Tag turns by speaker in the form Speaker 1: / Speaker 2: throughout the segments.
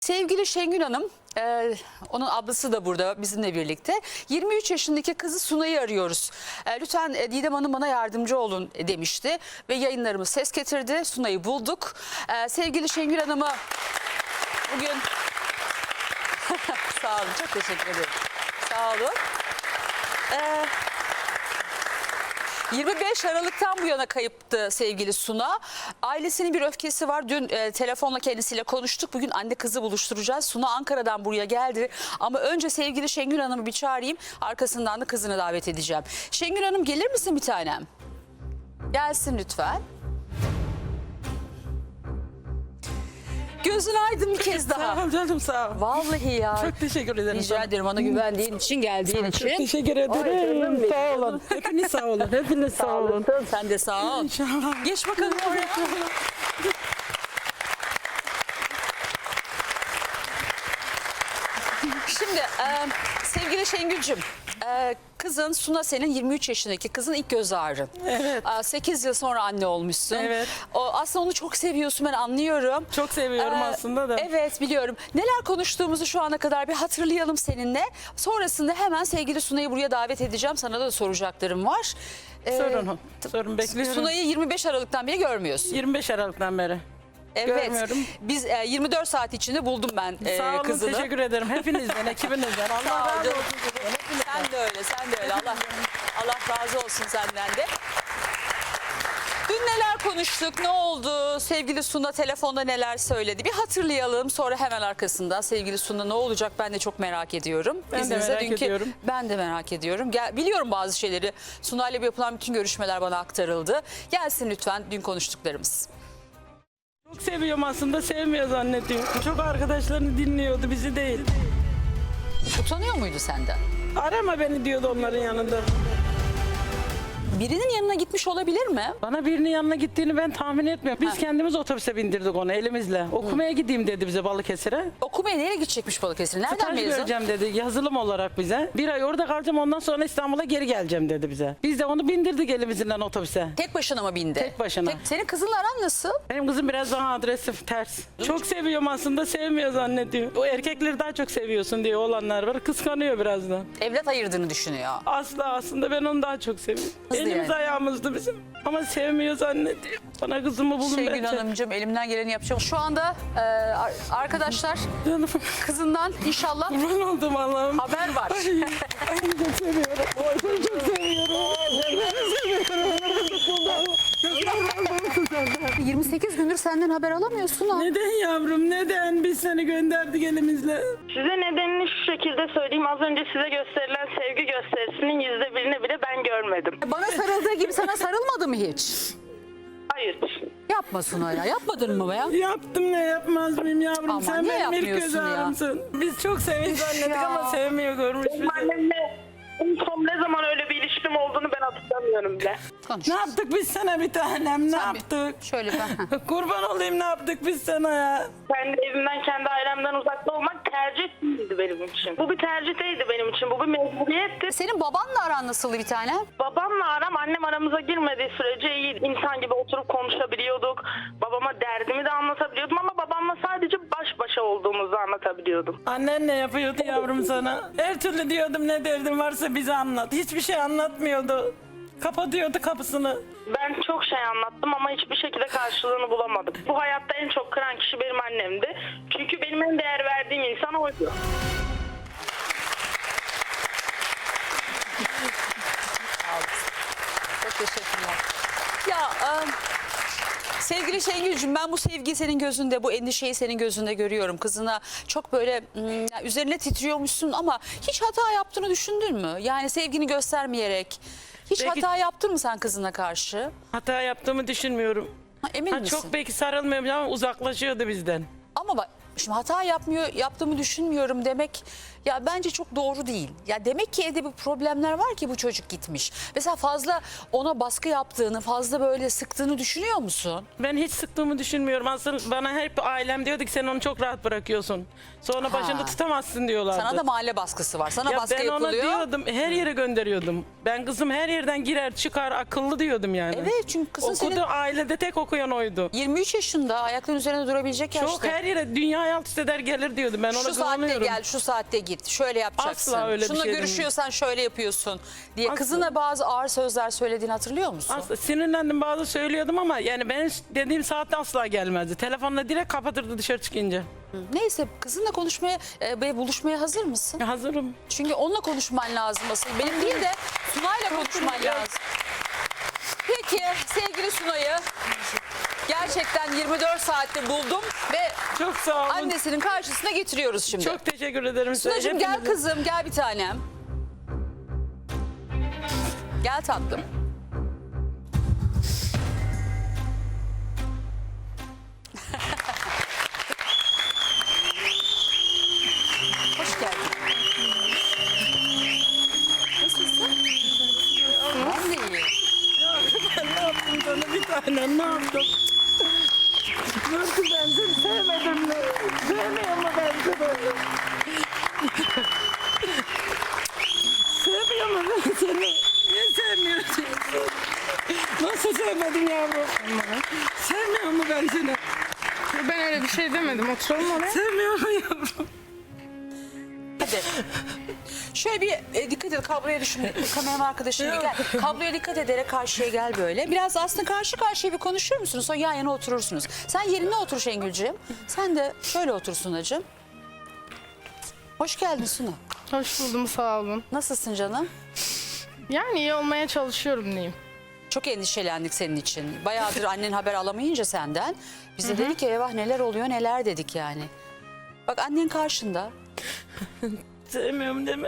Speaker 1: Sevgili Şengül Hanım, onun ablası da burada bizimle birlikte. 23 yaşındaki kızı Sunay'ı arıyoruz. Lütfen Didem Hanım bana yardımcı olun demişti ve yayınlarımız ses getirdi. Sunay'ı bulduk. Sevgili Şengül Hanım'ı bugün... Sağ olun, çok teşekkür ederim. Sağ olun. 25 Aralık'tan bu yana kayıptı sevgili Suna. Ailesinin bir öfkesi var. Dün telefonla kendisiyle konuştuk. Bugün anne kızı buluşturacağız. Suna Ankara'dan buraya geldi. Ama önce sevgili Şengül Hanım'ı bir çağırayım. Arkasından da kızını davet edeceğim. Şengül Hanım gelir misin bir tanem? Gelsin lütfen. Gözün aydın bir kez daha.
Speaker 2: Sağ ol canım, sağ ol.
Speaker 1: Vallahi ya.
Speaker 2: Çok teşekkür ederim.
Speaker 1: Rica ederim bana güvendiğin için, geldiğin için.
Speaker 2: Çok teşekkür ederim. Sağ olun. Hepiniz sağ olun. Hepiniz sağ olun.
Speaker 1: Sen de sağ ol.
Speaker 2: İnşallah.
Speaker 1: Geç bakalım oraya. Şimdi sevgili Şengül'cüm, kızın Suna senin 23 yaşındaki kızın ilk göz ağrın.
Speaker 2: Evet.
Speaker 1: 8 yıl sonra anne olmuşsun.
Speaker 2: Evet.
Speaker 1: Aslında onu çok seviyorsun, ben anlıyorum.
Speaker 2: Çok seviyorum aslında da.
Speaker 1: Evet, biliyorum. Neler konuştuğumuzu şu ana kadar bir hatırlayalım seninle. Sonrasında hemen sevgili Sunay'ı buraya davet edeceğim. Sana da soracaklarım var.
Speaker 2: Sorun. Sorun, bekliyorum.
Speaker 1: Sunay'ı 25 Aralık'tan beri görmüyorsun.
Speaker 2: 25 Aralık'tan beri.
Speaker 1: Evet.
Speaker 2: Görmüyorum.
Speaker 1: Biz 24 saat içinde buldum ben
Speaker 2: Sağ olun,
Speaker 1: kızını.
Speaker 2: teşekkür ederim. Hepinizden, ekibinizden.
Speaker 1: Sağ
Speaker 2: Allah
Speaker 1: ol
Speaker 2: razı
Speaker 1: canım.
Speaker 2: olsun.
Speaker 1: Sen de öyle, sen de öyle. Allah razı olsun senden de. Dün neler konuştuk, ne oldu? Sevgili Suna telefonda neler söyledi? Bir hatırlayalım. Sonra hemen arkasında sevgili Suna ne olacak ben de çok merak ediyorum.
Speaker 2: Ben de merak ediyorum.
Speaker 1: Ben de merak ediyorum. Biliyorum bazı şeyleri. Suna ile yapılan bütün görüşmeler bana aktarıldı. Gelsin lütfen dün konuştuklarımız.
Speaker 2: Çok seviyorum aslında, sevmiyor zannediyor. Çok arkadaşlarını dinliyordu, bizi değil.
Speaker 1: Utanıyor muydu senden?
Speaker 2: Arama beni diyordu onların yanında.
Speaker 1: Birinin yanına gitmiş olabilir mi?
Speaker 2: Bana birinin yanına gittiğini ben tahmin etmiyorum. Biz kendimiz otobüse bindirdik onu elimizle. Okumaya gideyim dedi bize Balıkesir'e.
Speaker 1: Okumaya nereye gidecekmiş Balıkesir? Nereden
Speaker 2: Staj
Speaker 1: mezun?
Speaker 2: göreceğim dedi yazılım olarak bize. Bir ay orada kalacağım, ondan sonra İstanbul'a geri geleceğim dedi bize. Biz de onu bindirdik elimizden otobüse.
Speaker 1: Tek başına mı bindi?
Speaker 2: Tek başına.
Speaker 1: Senin kızınla aran nasıl?
Speaker 2: Benim kızım biraz daha agresif, ters. Çok seviyorum aslında, sevmiyor zannediyor. O erkekleri daha çok seviyorsun diye olanlar var. Kıskanıyor biraz da.
Speaker 1: Evlat ayırdığını düşünüyor.
Speaker 2: Asla, aslında ben onu daha çok seviyorum.
Speaker 1: Nasıl
Speaker 2: Elimiz
Speaker 1: yani?
Speaker 2: ayağımızdı bizim. Ama sevmiyor zannediyor. Bana kızımı bulun
Speaker 1: Şengül
Speaker 2: bence.
Speaker 1: Hanımcığım elimden geleni yapacağım. Şu anda arkadaşlar
Speaker 2: Canım.
Speaker 1: kızından inşallah
Speaker 2: Kurban oldum Allah'ım.
Speaker 1: haber var.
Speaker 2: Ay çok seviyorum. Ay çok seviyorum. Ben seviyorum.
Speaker 1: 28 gündür senden haber alamıyorsun ha.
Speaker 2: Neden yavrum, neden? Biz seni gönderdik elimizle.
Speaker 3: Size nedenini şu şekilde söyleyeyim. Az önce size gösterilen sevgi gösterisinin %1'ini bile ben görmedim.
Speaker 1: Bana sarıldığı gibi sana sarılmadı mı hiç?
Speaker 3: Hayır.
Speaker 1: Yapma Suna ya. Yapmadın mı be?
Speaker 2: Yaptım, ne yapmaz mıyım yavrum?
Speaker 1: Ama
Speaker 2: Sen
Speaker 1: niye
Speaker 2: benim ilk göz
Speaker 1: yapmıyorsun ya?
Speaker 2: ağrımsın. Biz çok sevinç zannettik
Speaker 1: ya.
Speaker 2: ama sevmiyor, görmüş bizi.
Speaker 3: Benim annemle en son ne zaman öyle bir ilişkim olduğunu ben hatırlamıyorum bile.
Speaker 1: Konuş.
Speaker 2: Ne yaptık biz sana bir tanem, ne yaptık?
Speaker 1: Şöyle ben.
Speaker 2: Kurban olayım, ne yaptık biz sana ya?
Speaker 3: Kendi evimden, kendi ailemden uzakta olmak tercih değildi benim için. Bu bir tercih değildi benim için. Bu bir mecburiyetti.
Speaker 1: Senin babanla aran nasıldı bir tane?
Speaker 3: Babamla annem aramıza girmediği sürece iyi. İnsan gibi oturup konuşabiliyorduk. Babama derdimi de anlatabiliyordum ama babamla sadece baş başa olduğumuzu anlatabiliyordum.
Speaker 2: Annen ne yapıyordu yavrum sana? Her türlü diyordum, ne derdin varsa bize anlat. Hiçbir şey anlatmıyordu. Kapatıyordu kapısını.
Speaker 3: Ben çok şey anlattım ama hiçbir şekilde karşılığını bulamadım. Bu hayatta en çok kıran kişi benim annemdi. Çünkü benim en değer verdiğim insan oydu.
Speaker 1: Çok teşekkürler. Ya sevgili Şengül'cüm, ben bu sevgiyi senin gözünde, bu endişeyi senin gözünde görüyorum. Kızına çok böyle üzerine titriyormuşsun ama hiç hata yaptığını düşündün mü? Yani sevgini göstermeyerek. Hiç
Speaker 2: Belki-
Speaker 1: hata yaptın mı sen kızına karşı?
Speaker 2: Hata yaptığımı düşünmüyorum.
Speaker 1: Emin misin?
Speaker 2: Çok belki sarılmıyorum ama uzaklaşıyordu bizden.
Speaker 1: Ama bak şimdi yaptığımı düşünmüyorum demek Ya bence çok doğru değil. Ya demek ki evde bir problemler var ki bu çocuk gitmiş. Mesela fazla ona baskı yaptığını, fazla böyle sıktığını düşünüyor musun?
Speaker 2: Ben hiç sıktığımı düşünmüyorum. Aslında bana hep ailem diyordu ki sen onu çok rahat bırakıyorsun. Sonra başında tutamazsın diyorlardı.
Speaker 1: Sana da mahalle baskısı var. Sana
Speaker 2: Ya
Speaker 1: baskı
Speaker 2: ben ona
Speaker 1: yapılıyor.
Speaker 2: diyordum, her yere gönderiyordum. Ben kızım her yerden girer çıkar akıllı diyordum yani.
Speaker 1: Evet, çünkü kızın
Speaker 2: Okudu,
Speaker 1: senin
Speaker 2: ailede tek okuyan oydu.
Speaker 1: 23 yaşında, ayakların üzerine durabilecek yaşta.
Speaker 2: Çok her yere dünya alt üst eder gelir diyordum. Ben ona
Speaker 1: Şu saatte
Speaker 2: güveniyorum.
Speaker 1: gel, şu saatte git, şöyle yapacaksın.
Speaker 2: Asla öyle bir
Speaker 1: Şununla
Speaker 2: şey
Speaker 1: görüşüyorsan şöyle yapıyorsun diye.
Speaker 2: Asla.
Speaker 1: Kızına bazı ağır sözler söylediğini hatırlıyor musun?
Speaker 2: Aslında sinirlendim bazı söylüyordum ama yani ben dediğim saatte asla gelmezdi. Telefonla direkt kapatırdı dışarı çıkınca.
Speaker 1: Neyse, kızınla konuşmaya ve buluşmaya hazır mısın?
Speaker 2: Ya hazırım.
Speaker 1: Çünkü onunla konuşman lazım asıl. Benim değil de Sunay'la konuşman lazım. Peki sevgili Sunay'ı gerçekten 24 saatte buldum ve
Speaker 2: Çok sağ olun.
Speaker 1: annesinin karşısına getiriyoruz şimdi.
Speaker 2: Çok teşekkür ederim size.
Speaker 1: Sunacığım gel
Speaker 2: Hepinize.
Speaker 1: kızım, gel bir tanem. Gel tatlım. Hoş geldin. Nasılsın? Ben de iyiyim.
Speaker 2: Ne yaptım sana bir tane ne yaptım? Nasıl ben seni sevmedim mi? Sevmiyor mu ben seni? Sevmiyor mu ben seni? Niye sevmiyorsun? Nasıl sevmedin yavrum? Sevmiyor mu ben seni?
Speaker 4: Ben öyle bir şey demedim. Oturalım oraya.
Speaker 2: Sevmiyor mu yavrum?
Speaker 1: Hadi. Şöyle bir dikkat et, kabloya düşün. Kameraman arkadaşım gel. Kabloya dikkat ederek karşıya gel böyle. Biraz aslında karşı karşıya bir konuşur musunuz? Sonra yan yana oturursunuz. Sen yerine otur Şengülcüğüm. Sen de şöyle otur Sunacığım. Hoş geldin Suna.
Speaker 4: Hoş buldum, sağ olun.
Speaker 1: Nasılsın canım?
Speaker 4: Yani iyi olmaya çalışıyorum diyeyim.
Speaker 1: Çok endişelendik senin için. Bayağıdır annen haber alamayınca senden. Biz de dedik ki eyvah neler oluyor neler dedik yani. Bak annen karşında.
Speaker 2: Sevmiyorum deme.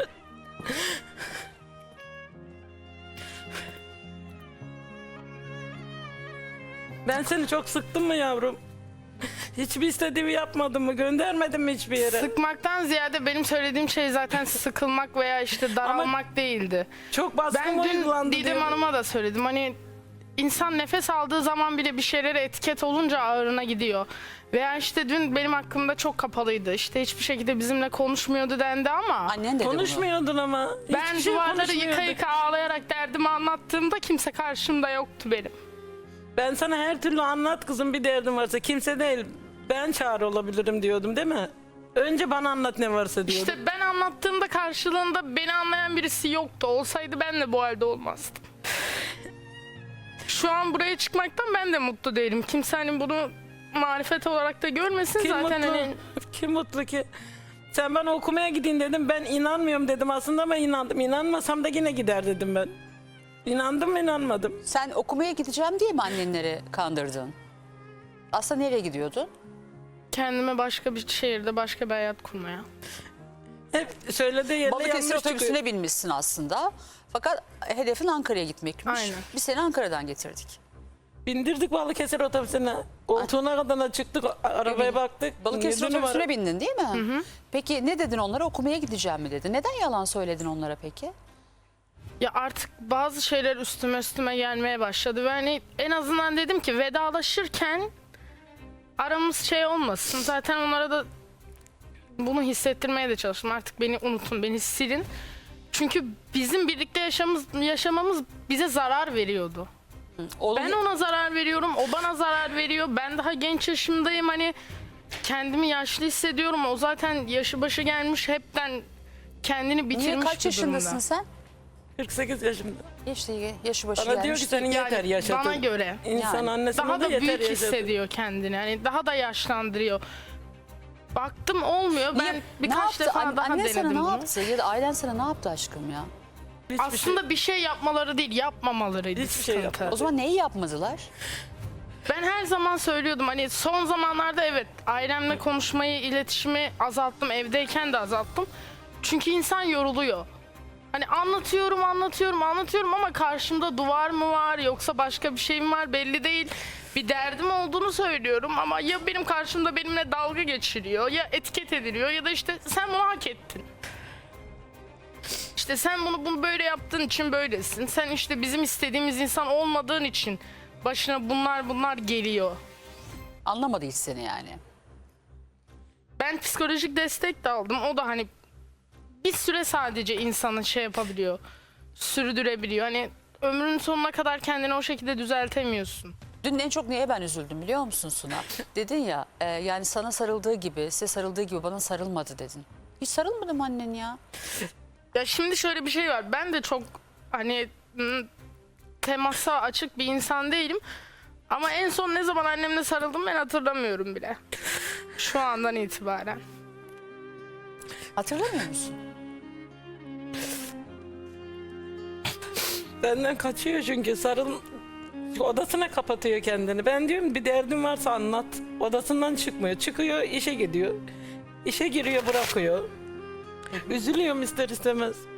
Speaker 2: Ben seni çok sıktım mı yavrum? Hiçbir istediğimi yapmadın mı? Göndermedin mi hiçbir yere?
Speaker 4: Sıkmaktan ziyade benim söylediğim şey zaten sıkılmak veya işte daralmak değildi.
Speaker 2: Çok baskın
Speaker 4: Ben dün
Speaker 2: uygulandı
Speaker 4: Didem
Speaker 2: diyorum.
Speaker 4: Hanım'a da söyledim. Hani insan nefes aldığı zaman bile bir şeylere etiket olunca ağrına gidiyor. Veya işte dün benim hakkımda çok kapalıydı. İşte hiçbir şekilde bizimle konuşmuyordu dendi ama
Speaker 1: Annen dedi bunu.
Speaker 2: Konuşmuyordun ama.
Speaker 4: ben
Speaker 2: Hiçbir şey
Speaker 4: duvarları yıka
Speaker 2: konuşmuyordun.
Speaker 4: yıka ağlayarak derdimi anlattığımda kimse karşımda yoktu benim.
Speaker 2: Ben sana her türlü anlat kızım bir derdin varsa. Kimse değil. Ben çare olabilirim diyordum değil mi? Önce bana anlat ne varsa diyordum.
Speaker 4: İşte ben anlattığımda karşılığında beni anlayan birisi yoktu. Olsaydı ben de bu halde olmazdım. Şu an buraya çıkmaktan ben de mutlu değilim. Kimse hani bunu marifet olarak da görmesin
Speaker 2: Kim
Speaker 4: zaten
Speaker 2: mutlu?
Speaker 4: hani.
Speaker 2: Kim mutlu ki? Sen bana okumaya gidin dedim. Ben inanmıyorum dedim aslında ama inandım. İnanmasam da yine gider dedim ben. İnandım mı inanmadım.
Speaker 1: Sen okumaya gideceğim diye mi annenleri kandırdın? Aslında nereye gidiyordun?
Speaker 4: Kendime başka bir şehirde başka bir hayat kurmaya.
Speaker 2: Hep söylediği yerine
Speaker 1: Balıkesir
Speaker 2: yanlış
Speaker 1: otobüsüne
Speaker 2: çıkıyor.
Speaker 1: binmişsin aslında. Fakat hedefin Ankara'ya gitmekmiş.
Speaker 4: Aynen.
Speaker 1: Biz seni Ankara'dan getirdik.
Speaker 2: Bindirdik Balıkesir otobüsüne. Koltuğuna kadar çıktık. Arabaya baktık.
Speaker 1: Balıkesir
Speaker 2: 7 numara.
Speaker 1: otobüsüne bindin değil mi? Peki ne dedin onlara? Okumaya gideceğim mi dedin? Neden yalan söyledin onlara peki?
Speaker 4: Ya artık bazı şeyler üstüme gelmeye başladı ve hani en azından dedim ki vedalaşırken aramız şey olmasın. Zaten onlara da bunu hissettirmeye de çalıştım. Artık beni unutun, beni silin. Çünkü bizim birlikte yaşamamız bize zarar veriyordu.
Speaker 1: Oğlum,
Speaker 4: Ben ona zarar veriyorum, o bana zarar veriyor. Ben daha genç yaşımdayım, hani kendimi yaşlı hissediyorum. O zaten yaşı başı gelmiş, hepten kendini bitirmiş
Speaker 1: niye
Speaker 4: bir
Speaker 1: kaç yaşındasın
Speaker 4: durumda.
Speaker 1: sen?
Speaker 2: 48 yaşında.
Speaker 1: İşte yaşı başı
Speaker 2: Bana diyor
Speaker 1: gelmiş.
Speaker 2: ki senin
Speaker 4: Yani
Speaker 2: yeter yaşatın.
Speaker 4: bana göre.
Speaker 2: İnsan
Speaker 1: Yani.
Speaker 2: annesine
Speaker 4: Daha
Speaker 2: de
Speaker 4: da
Speaker 2: yeter
Speaker 4: büyük
Speaker 2: yaşatın.
Speaker 4: hissediyor kendini. Hani daha da yaşlandırıyor. Baktım olmuyor. Ben
Speaker 1: Ne
Speaker 4: birkaç
Speaker 1: yaptı?
Speaker 4: defa daha
Speaker 1: Annen
Speaker 4: denedim
Speaker 1: sana ne
Speaker 4: bunu.
Speaker 1: yaptı? Ya da ailen sana ne yaptı aşkım ya?
Speaker 2: Hiçbir
Speaker 4: Aslında bir şey yapmaları değil, yapmamalarıydı
Speaker 2: Hiçbir şey
Speaker 4: sıkıntı.
Speaker 2: yapmadı.
Speaker 1: O zaman neyi yapmadılar?
Speaker 4: Ben her zaman söylüyordum hani son zamanlarda evet ailemle konuşmayı, iletişimi azalttım. Evdeyken de azalttım. Çünkü insan yoruluyor. Hani anlatıyorum ama karşımda duvar mı var yoksa başka bir şey mi var belli değil. Bir derdim olduğunu söylüyorum ama ya benim karşımda benimle dalga geçiriyor ya etiket ediliyor ya da işte sen bunu hak ettin. İşte sen bunu böyle yaptığın için böylesin. Sen işte bizim istediğimiz insan olmadığın için başına bunlar geliyor.
Speaker 1: Anlamadı hiç seni yani.
Speaker 4: Ben psikolojik destek de aldım. O da hani bir süre sadece insanı şey yapabiliyor. Sürdürebiliyor. Hani ömrünün sonuna kadar kendini o şekilde düzeltemiyorsun.
Speaker 1: Dün en çok neye ben üzüldüm biliyor musun Suna? Dedin ya yani sana sarıldığı gibi, size sarıldığı gibi bana sarılmadı dedin. Hiç sarılmadım annen ya.
Speaker 4: Ya şimdi şöyle bir şey var. Ben de çok hani temasa açık bir insan değilim. Ama en son ne zaman annemle sarıldım ben hatırlamıyorum bile. Şu andan itibaren.
Speaker 1: Hatırlamıyor musun?
Speaker 2: Benden kaçıyor çünkü odasına kapatıyor kendini. Ben diyorum bir derdin varsa anlat. Odasından çıkmıyor. Çıkıyor işe gidiyor. İşe giriyor bırakıyor. Üzülüyorum ister istemez.